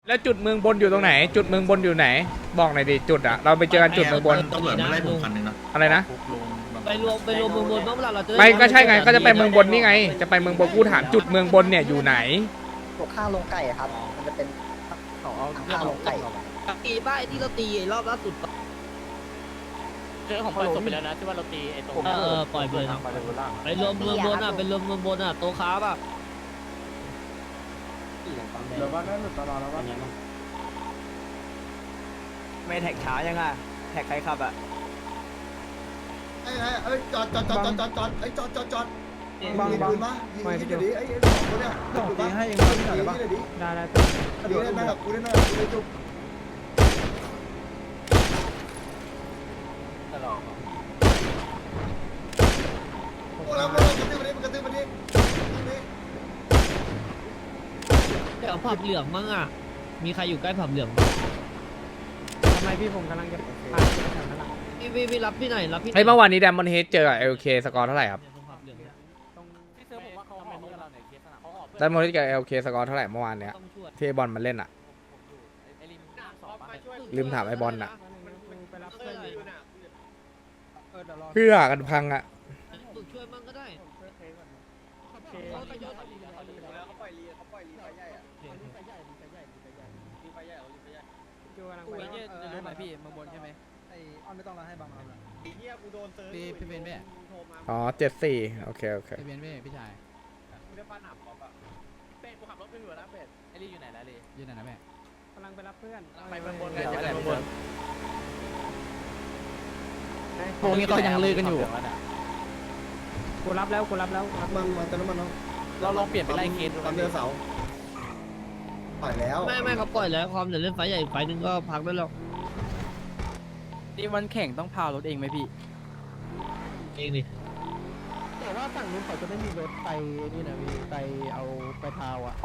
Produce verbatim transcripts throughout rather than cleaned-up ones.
แล้วจุดเมืองบนอยู่ตรงไหน จุดเมืองบนอยู่ไหน บอกหน่อยดิจุดอะเราไปเจอกันจุดเมืองบนตำรวจมาไล่ผมคันหนึงนะอะไรนะไปรวมไปรวมเมืองบนบ้างเวลาเราจะไม่ก็ใช่ไงก็จะไปเมืองบนนี่ไง จะไปเมืองบนกูถามจุดเมืองบนเนี่ยอยู่ไหนตกข้างลงไก่อะครับ มันจะเป็นข้างลงไก่ตีป้าไอ้ที่เราตีรอบล่าสุดเรื่องของปล่อยศพไปแล้วนะที่ว่าเราตีไอ้ตรงเออเออปล่อยไปเลยไปรวมเมืองบนอ่ะไปรวมเมืองบนอ่ะโตค้าป่ะเดี๋ยวว่าได้หลุดตลอดแล้วว่าไม่แท็กช้ายังอ่ะแท็กใครขับอ่ะไอ้ไอ้จอดจอดจอดจอดจอดจอดไอ้จอดจอดจอดบังยิงบังปืนมายิงยิงเดี๋ยวนี้ไอ้ไอ้สองคนเนี่ยสองตีให้เองยิงได้ยิงปะเดี๋ยวนี้ได้ได้เดี๋ยวได้กับกูได้หน้ากูได้จุ๊บโอ้แล้วมันกระตือมันกระตือมันนี่เดี๋ยวผับเหลืองมั้งอ่ะมีใครอยู่ใกล้ผับเหลืองทำไมพี่ผมกำลังจะพาไปแถวนั้นอ่ะพี่พี่พี่รับพี่หน่อยรับพี่เฮ้ยเมื่อวานนี้แดมอนเฮดเจอกับเอลเคสกอร์เท่าไหร่ครับผับเหลืองเนี่ยที่เซิร์ฟผมว่าเขาหอมกับเราในเคสสนามเขาหอมแดมอนเฮดกับเอลเคสกอร์เท่าไหร่เมื่อวานเนี้ยต้องช่วยที่ไอ้บอลมันเล่นอะไอ้ริมสอบมาช่วยลืมถามไอ้บอลน่ะไปรับเพื่อนอยู่เออเดี๋ยวรอเพื่อกันพังอะฝึกช่วยมั่งก็ได้โอเคเขาก็ยอดเขาปล่อยลีเขาปล่อยลีไฟใหญ่อะลีไฟใหญ่ลีไฟใหญ่ลีไฟใหญ่ลีไฟใหญ่ลีไฟใหญ่จูกำลังไปจะรู้ไหมพี่เมืองบนใช่ไหมไอออนไม่ต้องเราให้บังเราไอ้เหี้ยกูโดนเซิร์ฟพี่พี่เบนเบ้อ๋อเจ็ดสี่โอเคโอเคพี่เบนเบ้พี่ชายกูได้ฟาดหนับป๊อปอะเป็ดกูขับรถไปอยู่แล้วเป็ดไอ้รีอยู่ไหนแล้วรียืนไหนนะแม่กำลังไปรับเพื่อนไปเมืองบนกันจะไปเมืองบนพวกนี้ก็ยังลือกันอยู่กูรับแล้วกูรับแล้วมันมาเติมน้ำมันเนาะเราลองเปลี่ยนไปไล่เคสดูตามเดือนเสาร์ปล่อยแล้วไม่ไม่เขาปล่อยแล้วความเดี๋ยวเล่นไฟใหญ่ไฟนึงก็พักได้แล้วนี่วันแข่งต้องพารถเองไหมพี่เองดิแต่ว่าฝั่งนู้นเขาจะไม่มีรถไปนี่นะพี่ไปเอาไปพาวอ่ะ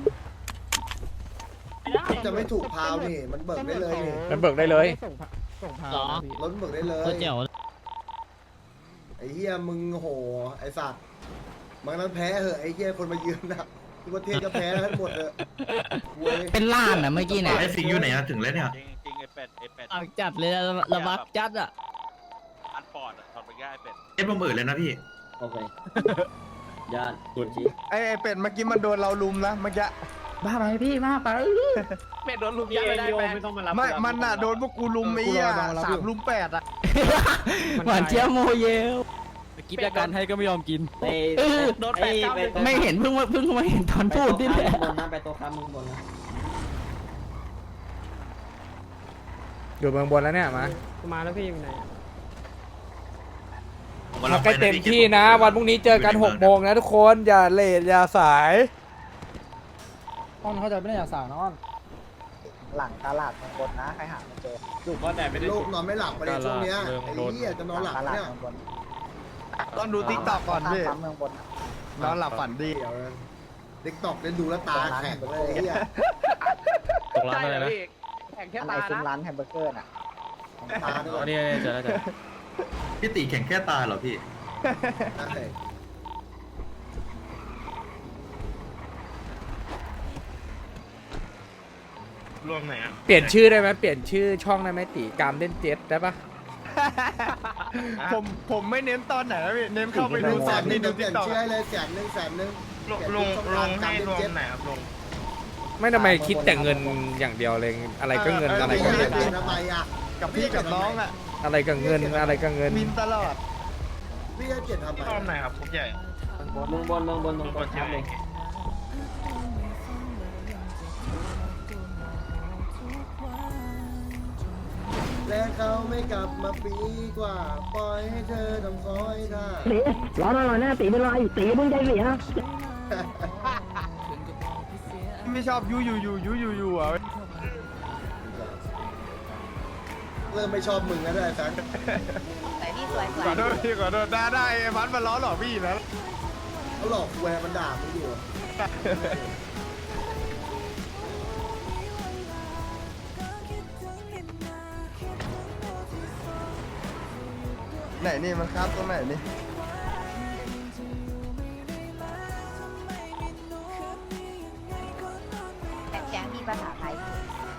จะไม่ถูกพาวนี่มันเบิกได้เลยนี่มันเบิกได้เลยส่งพาส่งพาวนะพี่รถเบิกได้เลยก็เจ๋วไอ้เหี้ยมึงโหไอ้สัตว์มันนั้นแพ้เหอะไอ้เหี้ยคนมายืนนะทุกประเทศก็แพ้ทั้งหมดเลยเว้ยเป็นล้านอ่ะเมื่อกี้เนี่ยไอ้สิงห์อยู่ไหนอะถึงแล้วเนี่ยจริงจริงไอ้เป็ดไอ้เป็ดอักจัดเลยนะระบักจัดอ่ะอันปอดอะถอดไปง่ายเป็ดเอ็ดผมเอ่ยเลยนะพี่โอเคยอดจริงไอ้เป็ดเมื่อกี้มันโดนเราลุมนะเมื่อกี้บ้าไปพี่บ้าไปเป็ดโดนลุมยัดไม่ได้แไม่ต้องมารับไม่มันอ่ะโดนพวกกูลุมไอ้เหี้ยสามลุมแปดอ่ะหวานเจี๊ยบโมเยลกิฟต์การให้ก็ไม่ยอมกินโดนแปดเก้าไม่เห็นเพิ่งมาเพิ่งมาเห็นตอนพูดนี่แหละอยู่เมืองบนแล้วเนี่ยมามาแล้วพี่อยู่ไหนเอาใกล้เต็มที่นะ วันพรุ่งนี้เจอกันหกโมงนะทุกคนอย่าเลทอย่าสายอ้อนเขาจะไม่ได้อยากสาวนะอ้อนหลังตลาดบนนะใครหาไม่เจอถูกเพราะแต่ไม่ได้ลูกนอนไม่หลับไปในช่วงเนี้ยไอ้เหี้ยจะนอนหลับตลาดเนี่ยเมืองบนต้องดูติ๊กต็อกก่อนพี่เมืองบนนอนหลับฝันดีเดี๋ยวติ๊กต็อกเล่นดูแล้วตาแข็งเลยไอ้เหี้ยตกร้านอะไรนะแข่งแค่อันไหนตาซุ้มนะร้านแฮมเบอร์เกอร์น่ะตาเนี่ยนี่เจอแล้วเจอพี่ตีแข่งแค่ตาเหรอพี่ใช่รวมไหนอะเปลี่ยนชื่อได้ไหมเปลี่ยนชื่อช่องได้ไหมตีกามเล่นเจ็ตได้ปะผมผมไม่เน้นตอนไหนนะพี่เน้นเข้าไปดูแสตอนนหนึ่นี้งดูเปติ๊ลี่ยกนต็อกชื่อให้เลยแสนหนึ่งแสนหนึ่งลงลงลงให้รวมไหนครับลงไม่ทำไมคิดแต่เงินอย่างเดียวเลยอะไรก็เงินอะไรก็เงินเปลี่ยนทำไมอ่ะกับพี่กับน้องอ่ะอะไรก็เงินอะไรก็เงินมินตลอดพี่จะเปลี่ยนทำไมรวมไหนครับพวกใหญ่เมืองบนเมืองบนเมืองบนใช่ไหมและเขาไม่กลับมาปีกว่า ปล่อยให้เธอทำคอยท่าร้อนอร่อยแน่ตีเป็นไรตีมึงใจเสียไม่ชอบยูยูยูยูยูยูอ่ะเริ่มไม่ชอบมึงแล้วด้วยแฟนแต่พี่สวยสวขอย โทษพี่ขอโทษได้ได้ไอ้พันมันล้อหลอกพี่นะเขาหลอกแวร์มันด่ามึงอยู่ไหนนี่มันครับตรงไหนนี่แต่แก๊งมีภาษาไทย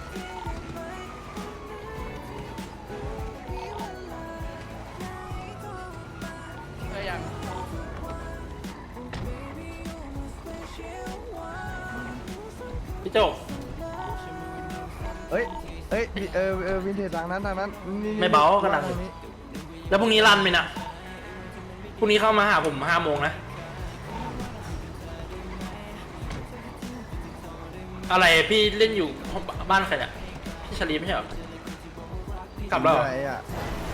จบเฮ้ยเฮ้ยเออเออวินเทจทางนั้นทางนั้นนี่ไม่เบาขนาดนั้น แล้วพรุ่งนี้รันไหมนะพรุ่งนี้เข้ามาหาผมห้าโมงนะอะไรพี่เล่นอยู่บ้านใครเนี่ยพี่ชลีไม่ใช่เหรอกลับแล้วเหรออะไรอ่ะ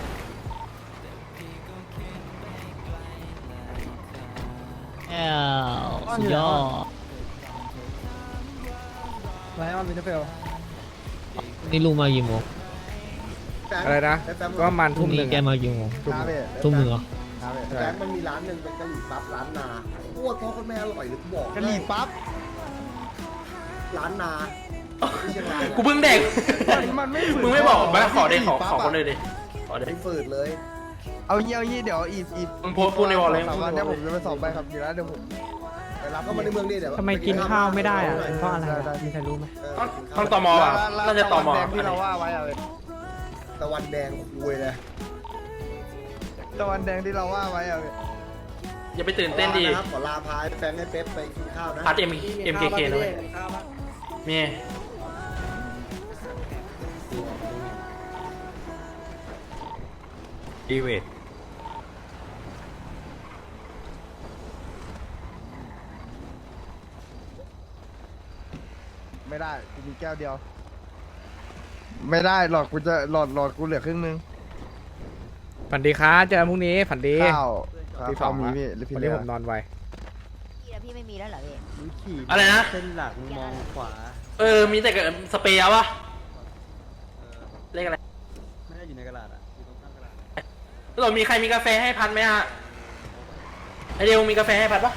แอลสุดยอดไลออนวินเทอร์เฟลนี่ลุงมากี่โมงอะไรนะ ก็ประมันพรุ่ทุ่งมหนี้นึ่งแกอะมากี่โมงคาเฟ่ทุ่มหนึ่งเหรอคาเฟ่แบงค์มันมีร้านหนึ่งเป็นกะหรี่ปั๊บร้านนาโคตรพ่อคนแม่อร่อยเลยกูบอกกะหรี่ปั๊บร้านนาที่เชียงรายกูเพิ่งเด็กมันไม่มึงไม่บอกมาขอเด็กขอขอคนเลยดิขอเด็กไม่ฝืดเลยเอาเยี่ยวยี่เดี๋ยวอีกอีกมึงโพสต์พูดในวอลเลยสามวันเนี้ยผมจะไปสอบใบขับขี่แล้วเดี๋ยวผมไปรับก็มาในเมืองนี่เดี๋ยวทำไมกินข้าวไม่ได้อะเพราะอะไรได้ได้มีใครรู้ไหมเออต้องตมอ่ะน่าจะตมแดงที่เราว่าไว้อะไรตะวันแดงคุยเลยตะวันแดงที่เราว่าไว้อะไรอย่าไปตื่นเต้นดิขอลาพายแฟนให้เป๊ปไปกินข้าวนะพัดเอ็มเอ็มเคเคนะเว้ยมีดีเวทไม่ได้กูมีแก้วเดียว ไม่ได้หลอดกูจะหลอดหลอดกูเหลือครึ่งนึงฝันดีครับเจอกันพรุ่งนี้ฝันดีข้าวที่สข้าอวงมีอะพี่หรือพี่วันเลี้นี้ยผมนอนไวพี่แล้วพี่ไม่มีแล้วเหรอพี่อะไรนะเส้นหลักมองขวาเออ มีแต่กับสเปรย์เอาวะเลขอะไรไม่ได้อยู่ในกระดาษอ่ะอยู่ตรงข้างกระดาษเรามีใครมีกาแฟให้พันไหมฮะไอเดียวมีกาแฟให้พันปะ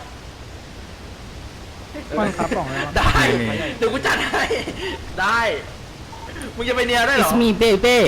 ป้อนครับบอกเลยว่าได้ เดี๋ยวกูจัดให้ ได้ มึงจะไปเนียได้เหรอ It's me baby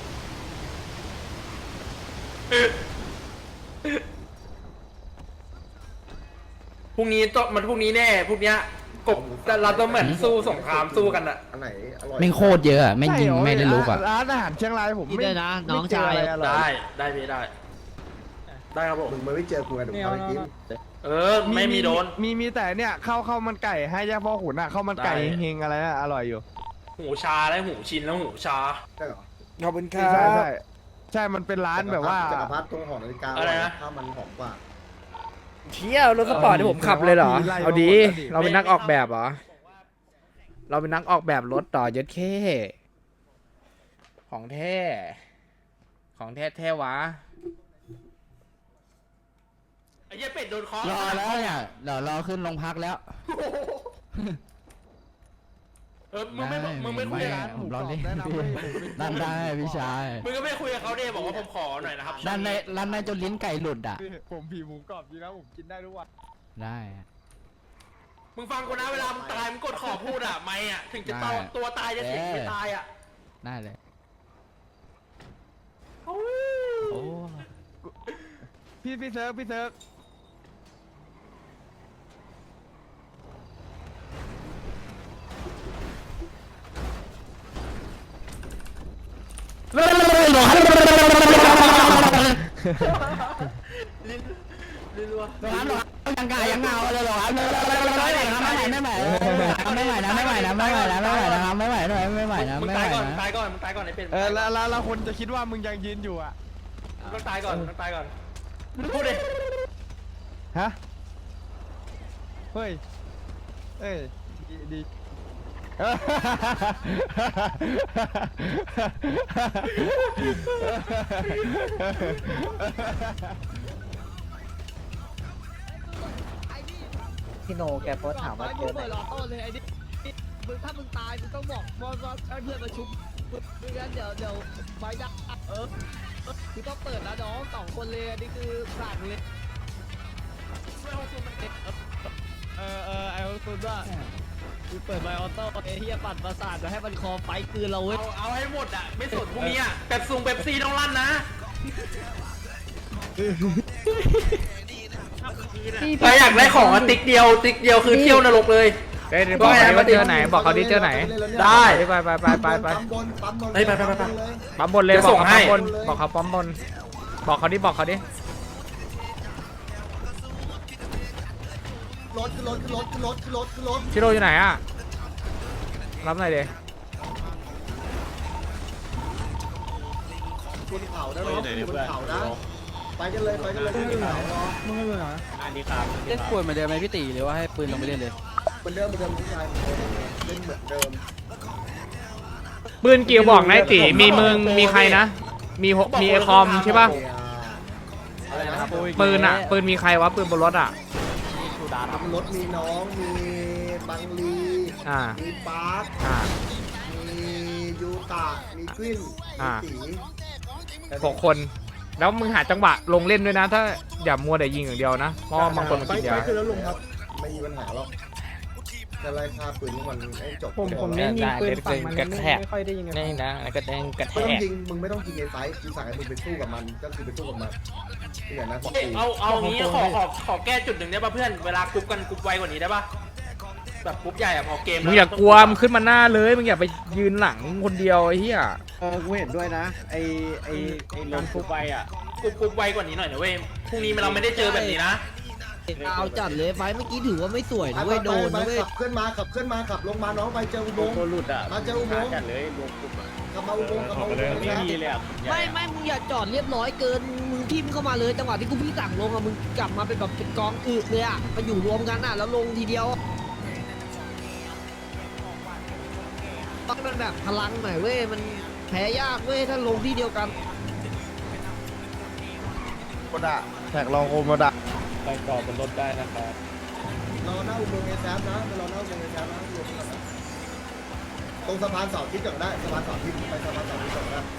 พรุ่งนี้ต้องมันพรุ่งนี้แน่พรุ่งเนี้ยกบเราต้องเหมือนสู้สงครามสู้กันอะอันไหนอร่อยแม่งโคตรเยอะอะแม่งยิงไม่ได้ลุกอ่ะร้านอาหารเชียงรายผมนี่ไม่ด้วยนะน้องไม่เจชายอะไรอร่อยได้ ได้พี่ได้ ได้ครับผมมึงไม่เจอกูกันเดี๋ยวกูไปกินเออ ไม่มีโดนมีมีแต่เนี่ยข้าวข้าวมันไก่ให้ย่าพ่อขุนอ่ะข้าวมันไก่ได้เฮงๆอะไรน่ะอร่อยอยู่หูชาแล้วหูชินแล้วหูชาได้เหรอขอบคุณคใช่รับใช่ใช่มันเป็นร้านแบบว่าจักรพรรดิตรงหอนาฬิกาอะไรนะข้าวมันหอมกว่าเที่ยวรถสปอร์ตที่ผมขับเลยเหรอ เอาดี เราเป็นนักออกแบบเหรอ เราเป็นนักออกแบบรถต่อเย็ดเข้ของแท้ ของแท้แท้วะไอ้เหี้ยเป็ดโดนคอรอแล้วเนี่ยเดี๋ยวรอขึ้นโรงพักแล้วเออ มึงไม่บอกมึงไม่คุยกับผมรอเล่นแนะนำให้ผมไปนั่นได้พี่ชายมึงก็ไม่คุยกับเขาดิบอกว่าผมขอหน่อยนะครับร้านในร้านในจนลิ้นไก่หลุดอ่ะผมผีหมูกรอบจริงนะผมกินได้ทุกวันได้มึงฟังกูนะเวลามึงตายมึงกดขอพูดอ่ะไม่อ่ะถึงจะได้ตัวตัวตายจะเสียงไม่ตายอ่ะได้เลยโอ้โอ้พี่พี่เซิร์ฟพี่เซิร์ฟยังกายังเงาเลยหรอครับไม่ไหวไม่ไหวนะไม่ไหวนะไม่ไหวนะไม่ไหวนะไม่ไหวนะไม่ไหวนะมึงไม่ไหวตายก่อนนะตายก่อนมึงตายก่อนไอ้เป็ดเออแล้วแล้วแล้วคนจะคิดว่ามึงยังยืนอยู่อ่ะมึงต้องตายก่อนมึงต้องตายก่อนพูดดิฮะเฮ้ยเอ้ยดีดีเออพี่โนแกโพสถามว่าเจอไหนเลยไอ้นี่มึงถ้ามึงตายมึงต้องบอกว่าว่าให้เพื่อนมาชุบไม่งั้นเดี๋ยวเดี๋ยวไฟดับเออคือต้องเปิดแล้วน้องสองคนเลยอันนี้คือสั่งเลยเออเออไอ้คุณว่าคือเปิดไมค์ออโต้ไอ้เฮียปั่นประสาทจะให้มันคอไฟคืนเราเว้ยเอาเอาให้หมดอ่ะไม่สนพวกนี้อ่ะเป๊ปซุงเป๊ปซี่ต้องลั่นนะใครอยากได้ของอะติ๊กเดียวติ๊กเดียวคือเที่ยวนรกเลยเฮ้ยบอกเขาดิว่าเจอไหน บอกเขาดิเจอไหนได้ไปไปไปไปไปปั๊มบนปั๊มบนเฮ้ยไปไปไปไปปั๊มบนเลยจะบอส่กงเขาให้ปั๊มบน บอกเขาปั๊มบน บอกเขาดิ บอกเขาดิรถขึ้นรถขึ้นรถขึ้นรถขึ้นรถขึ้นรถชิโร่อยู่ไหนอ่ะรับหน่อยดิบนเขานะน้องอยู่บนเขานะไปกันเลยไปกันเลยที่เขาเนาะมึงไม่เป็นไรอันนี้ครับเล่นควรเหมือนเดิมไหมพี่ตีหรือว่าให้ปืนลงไปเล่นเลยเหมือนเดิมเหมือนเดิมทุกอย่างเล่นเหมือนเดิมปืนกี่กระบอกนายตีมีมึงมีใครนะ มีหกมีไอคอมใช่ป่ะอะไรนะปืนอ่ะปืนมีใครวะปืนบนรถอ่ะชูดาครับรถมีน้องมีบังลีอ่ามีปาร์คอ่ามียูตะมีกวินอ่ามีตีหกคน แล้วมึงหาจังหวะลงเล่นด้วยนะ ถ้าอย่ามัวแต่ยิงอย่างเดียวนะเพราะว่าบางคนมันไปกินไปยาคือแล้วลุงครับไม่มีปัญหาหรอกจะไล่ฆ่าปืนทุกวันให้จบผมผมเน้นยิงปืนฝั่งมันไม่ไม่ค่อยได้ยิงกันนี่นะกระแดงกระแทไม่ต้องกยิงมึงไม่ต้องยิงในไฟท์กูสั่งให้มึงไปสู้กับมันก็คือไปสู้กับมันนี่แหละนะที่กูเอาเอางี้ขอขอขอแก้จุดหนึ่งได้ป่ะเพื่อนเวลากรุ๊ปกันกรุ๊ปไวกว่านี้ได้ป่ะแบบกรุ๊ปใหญ่อะพอเกมมึงอย่ากลัวมึงขึ้นมาหน้าเลยมึงอย่าไปยืนหลังคนเดียวไอ้เหี้ยเออกูเห็นด้วยนะไอไอไอลงฟุกไปอ่ะกรุ๊ปกรุ๊ปไวกว่านี้หน่อยนะเว้ยพรุ่งนี้เราไม่ได้เจอแบบนี้นะเอาจัดเลยไฟเมื่อกี้ถือว่าไม่สวยนะเว้ยโดนไปนะไปเว้ยขับเคลื่อนมาขับเคลื่อนมาขับลงมาน้องไปเจออุโมงค์ตัวหลุดอ่ะมาเจออุโมงค์จัดเลยรวมกลุ่มขับมาอุโมงค์ขับมาอุโมงค์ไม่มีเลยอ่ะไม่ไม่มึงอย่าจอดเรียบร้อยเกินมึงทิมเข้ามาเลยจังหวะที่กูพี่สั่งลงอะมึงกลับมาเป็นแบบเป็นกองอึเลยอะมาอยู่รวมกันอะแล้วลงทีเดียวมันแบบพลังหน่อยเว้ยมันแพ้ยากเว้ยถ้าลงที่เดียวกันโมดะแท็กลองโอโมดะไปก่อบนรถได้นะครับรอหน้าอุโมงค์เอแซฟนะไปรอหน้าอุโมงค์เอแซฟนะรวมกันนะตรงสะพานเสาทิศก่อนได้สะพานเสาทิศไปสะพานเสาทิศก่อนได้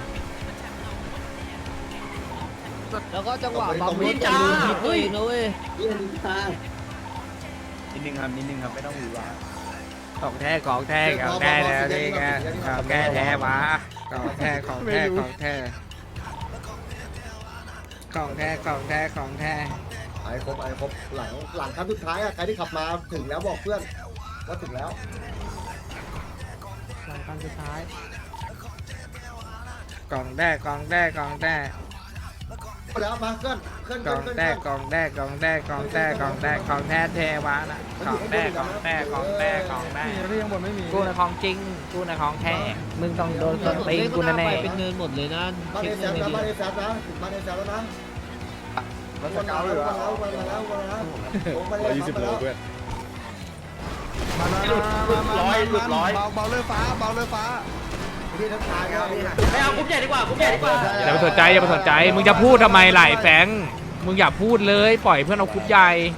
แล้วก็จังหวะบัมรถนินจะจาลืมทิศตัวเองนะเว้ยนิดนึงครับนิดนึงครับไม่ต้องหวือหวาของแท้ของแท้ของแท้แล้วนี่ไงของแท้แท้วะของแท้ของแท้ของแท้ของแท้ของแท้ของแท้ไอ้ครบไอ้ครบหลังหลังครั้งสุดท้ายอะใครที่ขับมาถึงแล้วบอกเพื่อนว่าถึงแล้วหลังครั้งสุดท้ายกล่องแท้กล่องแท้กล่องแท้แล้วมาเคลื่อนเคลื่อนกล่องแท้กล่องแท้กล่องแท้กล่องแท้กล่องแท้ของแท้แท้วะนะของแท้ของแท้ของแท้ของแท้เรื่องบนไม่มีกูในของจริงกูในของแท้มึงต้องโดนต้นตีนกูแน่ไปเป็นเนินหมดเลยนะบ้านเอแซฟนะบ้านเอแซฟนะถึงบ้านเอแซฟแล้วนะรถสเกลเลยมาแล้วมาแล้วมาแล้วมาแล้วร้อยยี่สิบโลเพื่อนหลุดหลุดร้อยหลุดร้อยเบาเบาเลยฟ้าเบาเลยฟ้าพี่ทักทายครับพี่ไม่เอากรุ๊ปใหญ่ดีกว่ากรุ๊ปใหญ่ดีกว่าๆอย่าไปสนใจอย่าไปสนใจมึงจะพูดทำไมไหลแฟงมึงอย่าพูดเลยปล่อยเพื่อนเอาคุบใหญ่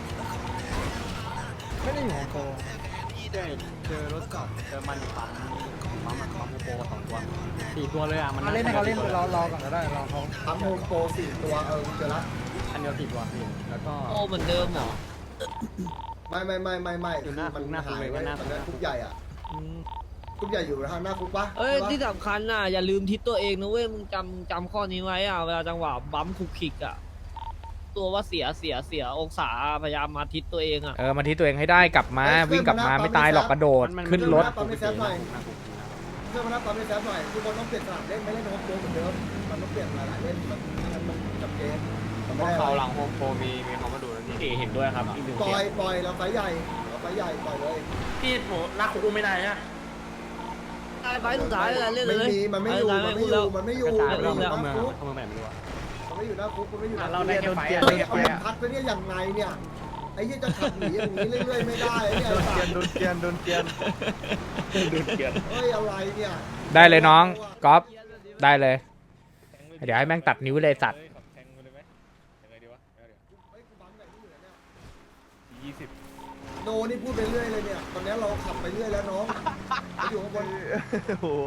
ไม่ได้อยู่ของโกเจอเจอรถจอดเจอมันอยู่ปั๊มปั๊มปั๊มโมโปสองตัวสี่ตัวเลยอ่ะมันมาเล่นให้เขาเล่นรอรอก่อนก็ได้รอเขาทำโฮมโปรสี่ตัวเออเจอละอันเดียวสี่ตัวพี่แล้วก็โอ้เหมือนเดิมเหรอไม่ไม่ไม่ไม่ไม่คือมันหายไว้ตอนนั้นคุกใหญ่อ่ะคุกใหญ่อยู่ทางหน้าคุกปะเอ้ยที่สำคัญน่ะอย่าลืมทิศตัวเองนะเว้ยมึงจำจำข้อนี้ไว้อ่ะเวลาจังหวะบัมคุกคิกอ่ะตัวว่าเสียเสียเสียองศาพยายามมาทิศตัวเองอ่ะเออมาที่ตัวเองให้ได้กลับมาวิ่งกลับมาไม่ตายหรอกกระโดดขึ้นรถปั๊มในแซฟหน่อยเพื่อนมานับปั๊มในแซฟหน่อยทุกคนต้องเปลี่ยนสนามเล่นไม่เล่นโฮมโปรเหมือนเดิมมันต้องเปลี่ยนหลายๆเล่นมันมันจับเกมมันไม่ได้เขาหลังโฮมโปรมีมีเขามาดูแล้วพี่เห็นด้วยครับอีกหนึ่งปล่อยปล่อยเราไฟใหญ่เราไฟใหญ่ปล่อยเลยพี่โหลากคุกอุ้มไม่ได้ฮะไปสุดท้ายเลยเล่นเลยไม่มีมันไม่อยู่มันไม่อยู่มันไม่อยู่กระจายไปมันรอบไม่อยู่เมืองนะเข้าคุเมืองกแบบไม่รู้อะมันไม่อยู่นะคุกมันไม่อยู่นะเราได้แค่ไฟเฮ้ยเอามันพัดไปเนี่ยอย่างไงเนี่ยไอ้ยี่จะขับหนีอย่างนี้เรื่อยๆไม่ได้เนี่ยโดนเกียนโดนเกียนโดนเกียนโดนเกียนเฮ้ยอะไรเนี่ยได้เลยน้องก๊อฟได้เลย เดี๋ยวให้แม่งตัดนิ้วเลยสัตว์แทงเลยไหมยังไงดีวะเฮ้ยกูบังแบบนี้อยู่เนี่ยยี่สิบโนนี่พูดไปเรื่อยเลยเนี่ยตอนนี้เราขับไปเรื่อยแล้วน้องเราอยู่ข้างบนโอ้โห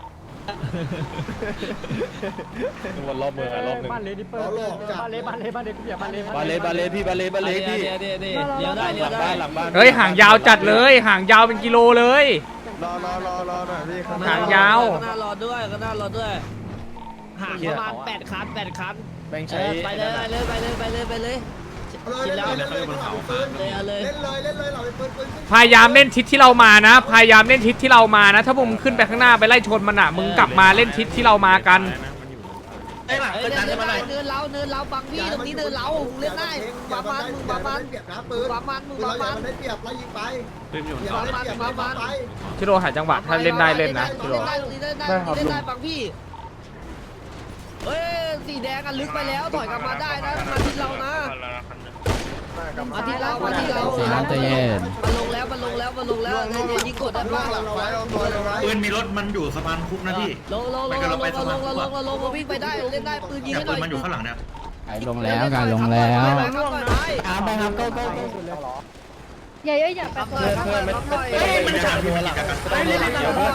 วนรอบเมืองอะรอบหนึ่งเราหลอกจัดบาเลบาเลบาเลพี่บาเลบาเลพี่เดี๋ยวเดี๋ยวเดี๋ยวเดี๋ยวได้เดี๋ยวหลังได้บ้านหลังบ้านเฮ้ยห่างยาวจัดเลยห่างยาวเป็นกิโลเลยรอรอรอรอหน่อยพี่หางยาวก็น่ารอด้วยก็น่ารอด้วยห่างประมาณแปดคันแปดคันแบ่งเอใช้อไปเลยไปเลยไปเลยไปเลยไปเลยเลยเล่นเลยเล่นเลยเราไปปืนเลยเอาเลยเล่นเลยเล่นเลยเราไปปืนปืนพยายามเล่นทิศที่เรามานะ พยายามเล่นทิศที่เรามานะ ถ้ามึงขึ้นไปข้างหน้าไปไล่ชนมันอ่ะมึงกลับมาเล่นทิศที่เรามากันไอ้หลังเฮ้ยเกิดเนิดันนขึ้นมาหน่อยเนินเราเนินเราบังพี่ตรงนี้เนินเราเล่นได้บามันมึงบามันเปรียบนะปืนบามันมึงปืนบาเราอย่ามันมันได้เปรียบไล่ยิงไปปืนอยู่อย่ามันได้เปรียบไล่ยิงไปชิโร่หาจังหวะถ้าเล่นได้เล่นนะชิโร่เล่นได้เล่นได้เล่นได้บังพี่เฮ้ยสีแดงอ่ะลึกไปแล้วถอยกลับมาได้นะมาที่เรานะมาที่เรามาที่เราเสียงใจเย็นมันลงแล้วมันลงแล้วมันลงแล้วเดี๋ยวยิงกดได้ป่ะเราไว้เอาตัวเราไว้ปืนมีรถมันอยู่สะพานคุกนะพี่ลงลงลงลงลงลงลงลงวิ่งไปได้เล่นได้ปืนยิงเนี่ยให้หปืน่อยนมันอยู่ข้างหลังเนี่ยไอ้ลงแล้วการลงแล้วตามไปครับโก้โก้อย่าอย่าไปก่อนเฮ้ยมันจะหัวหลังไปเล่นหลังบ้าน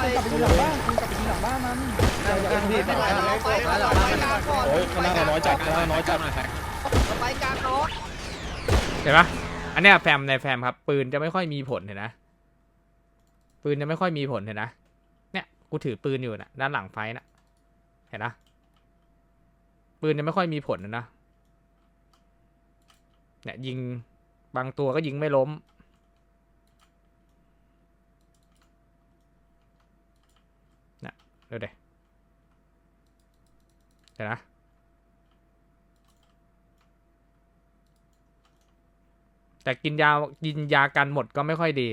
โอ้ยข้างหน้าเราน้อยจัดข้างหน้าน้อยจัดไปกลางน้องเห็นปะอันเนี้ยแฟมในแฟมครับปืนจะไม่ค่อยมีผลเห็นนะปืนจะไม่ค่อยมีผลเห็นนะเนี่ยกูถือปืนอยู่นะด้านหลังไฟนะเห็นนะปืนจะไม่ค่อยมีผลนะเนี่ยยิงบางตัวก็ยิงไม่ล้มนะดูเดี๋ยวเห็นนะแต่กินยากินยากันหมดก็ไม่ค่อยดี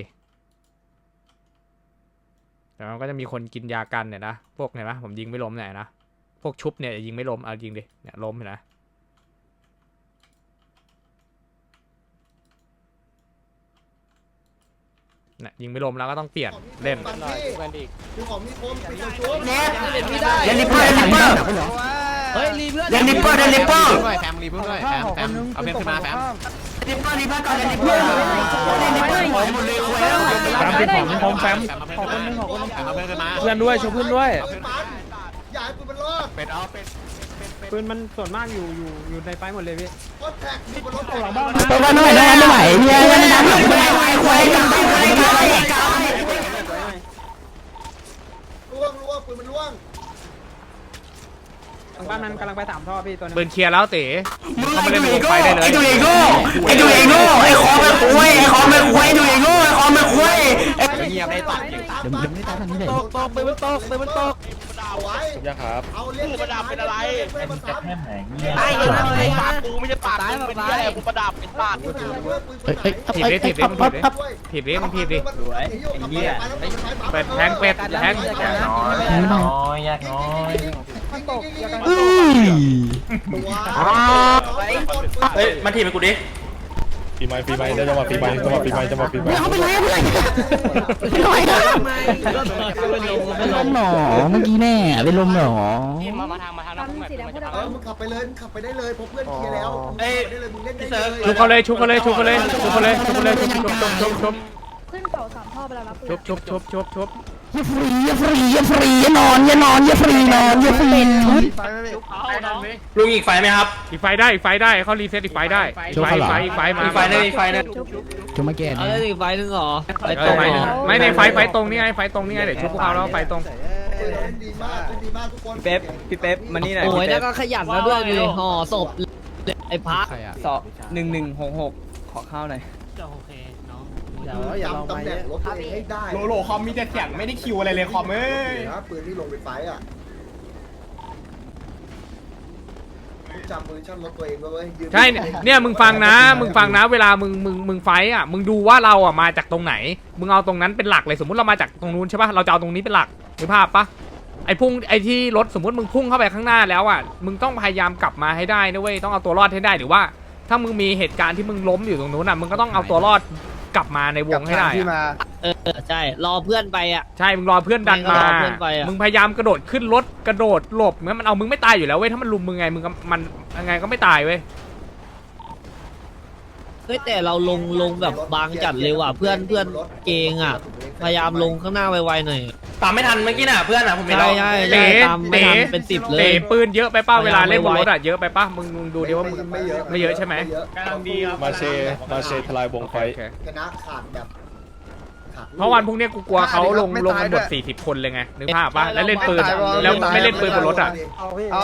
แต่มันก็จะมีคนกินยากันเนี่ยนะพวกเห็นไหมผมยิงไม่ล้มเนี่ยนะพวกชุบเนี่ยยิงไม่ล้มเอายิงดิเนี่ยล้มเห็นนะเนี่ยยิงไม่ล้มแล้วก็ต้องเปลี่ยนเล่นดูของมีคมตีชุบเล่นไม่ได้เล่นลิปเปอร์เล่นลิปเปอร์เฮ้ยรีเพื่อนเล่นลิปเปอร์เล่นลิปเปอร์แฟมรีเพิ่งด้วยแฟมแฟมเอาเพนขึ้นมาแฟมลิปเปอร์ลิปเปอร์ก่อนเล่นลิปเปอร์เล่นลิปเปอร์หมดเลยคุยแล้วแฟมติดของพร้อมแฟมขอบคุณนึงขอบคุณนึงเอาเพนขึ้นมาเพื่อนด้วยช่วยเพื่อนด้วยปืนมันอย่าให้ปืนมันรอดเป็ดเอาเป็ดปืนมันส่วนมากอยู่อยู่อยู่ในไฟหมดเลยพี่รถแท็กมีบนรถแท็กหลังบ้านตัวกันหน่อยได้ไม่ไหวเนี่ยยังดันหลังไม่ได้คุยกันไปคุยกันไปล่วงล่วงปืนมันล่วงทางบ้านนั้นกำลังไปสามท่อพี่ตัวนึงปืนเคลียร์แล้วเต๋มึงไอ้ดูเองโง่ไอ้ดูเองโง่ไอ้ดูเองโง่ไอ้คอไม่คุยไอ้คอไม่คุยไอ้ดูเองโง่ไอ้คอไม่คุยเงียบได้ตัดเดี๋ยวเดี๋ยวไม่ตายทางนี้เลยตกตกปืนมันตกปืนมันตกเอาไว้ยาครับเอาเล่นประดับเป็นอะไรเพื่อนมาซ้ำตายเลยนะตายนะกูไม่ใช่ปากตายมึงแบบเป็นตาเหี้ยยอะไรกูประดับเป็นปากปืนไหนเพื่อนปืนไหนถีบดิถีบดิมันถีบดิถีบดิมันถีบดิเปิดแทงเป็ดแทงน้อยยากน้อยตกยากน้อยเฮ้ยมันถีบไปกูดิปีใหม่ปีใหม่ได้จังหวะปีใหม่จังหวะปีใหม่จังหวะปีใหม่เขาไปเลยไปเลยไม่ไหวนะเป็นลมหนอเมื่อกี้แน่เป็นลมหนอมามาทางมาทางน้ำพุ่งหน่อยเออมึงขับไปเลยมึงขับไปได้เลยเพราะเพื่อนเคลียร์แล้วได้เลยมึงเล่นได้เลยชุบเขาเลยชุบเขาเลยชุบเขาเลยชุบเขาเลยชุบเขาเลยชุบชุบชุบชุบชุบขึ้นเสาสามท่อไปแล้วนะชุบชุบชุบชุบชุบอย่าฟรีอย่าฟรีอย่าฟรีอย่านอนอย่านอนอย่าฟรีนอนอย่าฟรีลุงอีกไฟไหมครับอีกไฟได้อีกไฟได้เขารีเซ็ตอีกไฟได้อีกไฟอีกไฟอีกไฟมาอีกไฟนึงอีกไฟนึงจะมาแก้เอาเนี่ยเล่นอีกไฟนึงเหรอไฟเอตอก ไฟไม่ในไฟไฟตรงนี่ไงไฟตรงนี่ไงเดี๋ยวชุบพวกเขาแล้วไฟตรงเล่นดีมากเล่นดีมากทุกคนพี่เป๊ปพี่เป๊ปมานี่หน่อยโอ้ยแล้วก็ขยันมาด้วยดูห่อศพไอ้พักสองหนึ่งหนึ่งหกหกขอข้าวหน่อยจำตำแหน่งรถตัวเองให้ได้โลโลคอมมีแต่เสียงไม่ได้คิวอะไรเลยคอมเอ้ยนะปืนที่ลงไปไฟอ่ะจำมือชั่นรถตัวเองไว้เว้ยใช่เนี่ยเนี่ยมึงฟังนะมึงฟังนะเวลามึงมึงมึงไฟอ่ะมึงดูว่าเราอ่ะมาจากตรงไหนมึงเอาตรงนั้นเป็นหลักเลยสมมุติเรามาจากตรงนู้นใช่ปะเราจะเอาตรงนี้เป็นหลักนึกภาพปะไอ้พุ่งไอ้ที่รถสมมติมึงพุ่งเข้าไปข้างหน้าแล้วอ่ะมึงต้องพยายามกลับมาให้ได้นะเว้ยต้องเอาตัวรอดให้ได้หรือว่าถ้ามึงมีเหตุการณ์ที่มึงล้มอยู่ตรงนู้นอ่ะมึงก็ต้องเอาตัวรอดกลับมาในวงให้ได้อะเออใช่รอเพื่อนไปอ่ะใช่มึงรอเพื่อนดันมารอเพื่อนไปอะมึงพยายามกระโดดขึ้นรถกระโดดหลบงั้นมันเอามึงไม่ตายอยู่แล้วเว้ยถ้ามันลุมมึงไงมึงก็มันยังไงก็ไม่ตายเว้ยเฮ้ยแต่เราลงลงแบบบางจัดเลยว่ะเพื่อนเพื่อนเกงอ่ะพยายามลงข้างหน้าไวๆหน่อยตามไม่ทันเมื่อกี้น่ะเพื่อนอ่ะผมเห็นใช่แล้วใช่เต๋ใช่ตามไม่ทันเป็นสิบเลเต๋ยปืนเยอะไปเป้าเวลาเล่นบนไว้รถอะเยอะไปป้ามึงมึงดูดิว่ามึงไม่เยอะไม่เยอะใช่ไหมกำลังดีครับมาเชมาเชทลายวงไฟโอเคชนะขาดแบบขาดเพราะวันพรุ่งนี้กูกลัวเขาลงลงกันหมดสี่สิบคนเลยไงนึกภาพปะแล้วเล่นปืนแล้วไม่เล่นปืนบนรถอะอ๋อ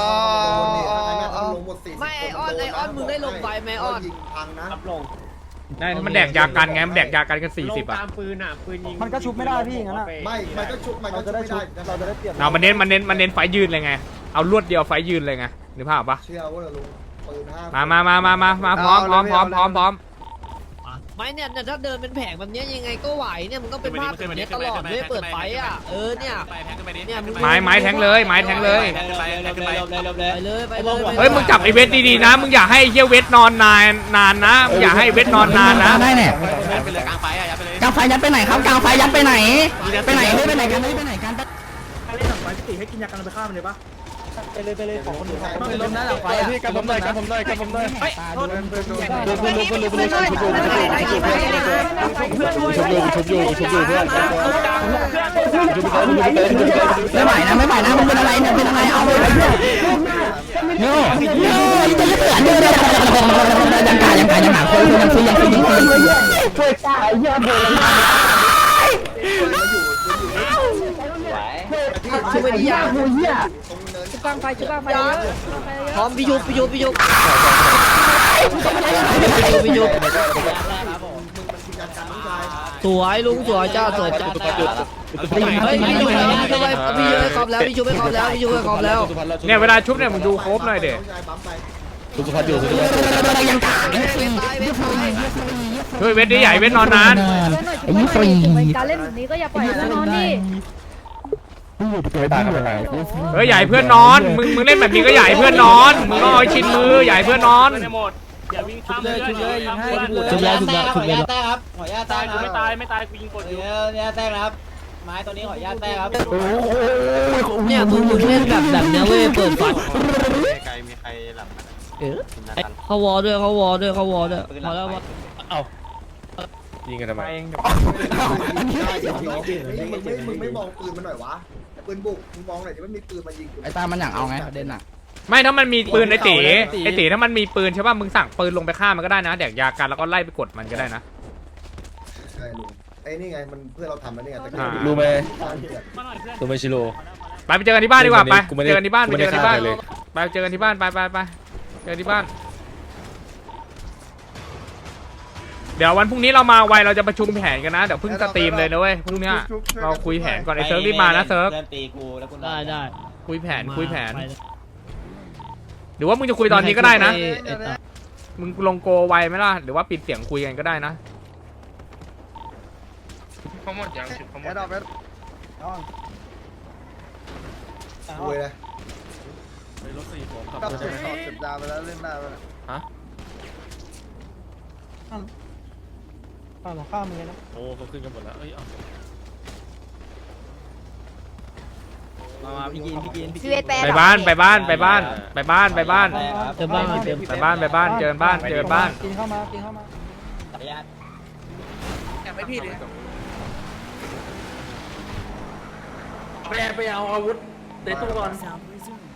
ไม่ไอออนไอออนมึงได้ลงไฟไหมออนยิงพังนะได้มันแดกยากันไงมันแดกยากันกันสี่สิบอะมันก็ชุบไม่ได้พี่งั้นอ่ะไม่มันก็ชุบมันก็ชุบไม่ได้เราจะได้เปรียบเอามันเน้นมันเน้นมันเน้นไฟยืนเลยไงเอาลวดเดียวไฟยืนเลยไงนึกภาพปะเชื่อว่าลุงปืนห้ามามามามามามาพร้อมพร้อมพร้อมพร้อมพร้อมไม่เนี่ยเนี่ยถ้าเดินเป็นแผงแบบเนี้ยยังไงก็ไหวเนี่ยมันก็เป็นภาพแบบเนี้ยตลอดไม่เปิดไฟอ่ะเออเนี่ยเนี่ยมึงไม้ไม้แทงเลยไม้แทงเลยไปเลยไปเลยเฮ้ยมึงจับไอเวทดีๆนะมึงอย่าให้ไอ้เหี้ยเวทนอนนานนานนะมึงอย่าให้เวทนอนนานนะได้เนี่ยไปเลยกลางไฟอ่ะยัดไปเลยกลางไฟยัดไปไหนครับกลางไฟยัดไปไหนไปไหนเฮ้ยไปไหนกันเฮ้ยไปไหนกันเล่นหนังไฟพี่ให้กินยากันไปฆ่ามันเลยปะไปเลยไปเลยของคนอื่นไปล้มนะหลังไฟอ่ะพี่กันผมหน่อยกันผมหน่อยกันผมหน่อยเฮ้ยโทษไม่ไหวนะไม่ไหวนะมึงเป็นอะไรเนี่ยเป็นอะไรเอาไปเลยโน่โน่จะเสือเนี่ยยังกายังกายังหาคนยังซื้อยังซื้อยังซื้อช่วยตายเยอะเลยช่วยดิยาชุบกลางไฟชุบกลางไฟเยอะพร้อมพี่ยุบพี่ยุบพี่ยุบพี่ยุบสวยลุงสวยจ้าสวยจ้าเฮ้ยพี่ยุบทำไมพี่ยุบให้ครบแล้วพี่ยุบให้ครบแล้วพี่ยุบให้ครบแล้วเนี่ยเวลาชุบเนี่ยมึงดูโครบหน่อยเด็สุขภาพอยู่ยังกาช่วยเวทดิใหญ่เวทนอนนานไอ้ยี่ฟรีการเล่นแบบนี้ก็อย่าปล่อยให้นอนดิเฮ้ยใหญ่เพื่อนนอนมึงมึงเล่นแบบนี้ก็ใหญ่เพื่อนนอนมึงต้องเอาชินมือใหญ่เพื่อนนอนชุบเลยชุบเลยยิงให้ชุบแล้วชุบแล้วชุบแล้วแต้ครับขอญาตแต้ครับไม่ตายไม่ตายกูยิงกดอยู่เนี่ยแต้ครับไม้ตัวนี้ขอญาตแต้ครับเนี่ยมึงมึงเล่นแบบแบบเนี้ยเว้ยเปิดไฟไกลมีใครหลับเออเขาวอด้วยเขาวอด้วยเขาวอด้วยพอแล้ววะยิงกันทำไมมึงไม่มึงไม่มองปืนมันหน่อยวะปืนบุกมึงมองหน่อยจะไม่มีปืนมายิงไอ้ตามันอยากเอาไงประเด็นอ่ะไม่ถ้ามันมีปืนไอตีไอตีถ้ามันมีปืนใช่ป่ะมึงสั่งปืนลงไปฆ่ามันก็ได้นะแดกยากันแล้วก็ไล่ไปกดมันก็ได้นะใช่ลุงไอ้นี่ไงมันเพื่อเราทำแล้วนี่ไงแต่รู้ไหมตัวไม่ชิโร่ไปไปเจอกันที่บ้านดีกว่าไปกูไม่ได้เจอกันที่บ้านกูไปไม่เจได้อกันที่บ้านฆ่าใครเลยไปเจอกันที่บ้านไปไปไปเจอที่บ้าน เดี๋ยววันพรุ่งนี้เรามาไวเราจะประชุมแผนกันนะเดี๋ยวเพิ่งสตรีมเลยนะเว้ยพรุ่งนี้เราคุยแผนก่อนไอเซิร์ฟรีบมานะเซิร์ฟได้ได้คุยแผนคุยแผนหรือว่ามึงจะคุยตอนนี้ก็ได้นะมึงลงโกไวไหมล่ะหรือว่าปิดเสียงคุยกันก็ได้นะเขาหมดยังชุดเขาหมดคุยเลยรถสี่ผมกับสุดสอบสุดดาวไปแล้วเล่นได้ไปฮะข้าวข้าวมึงนะโอ้เขาขึ้นกันหมดแล้วเอ้ยมามาพี่กินพี่กินพี่ชีวิตแปลไปบ้านไปบ้านไปบ้านไปบ้านไปบ้านเติมบ้านเติมไปบ้านไปบ้านเจอบ้านเจอบ้านกินเข้ามากินเข้ามาไม่พี่เลยไปไปเอาอาวุธในตู้ก่อน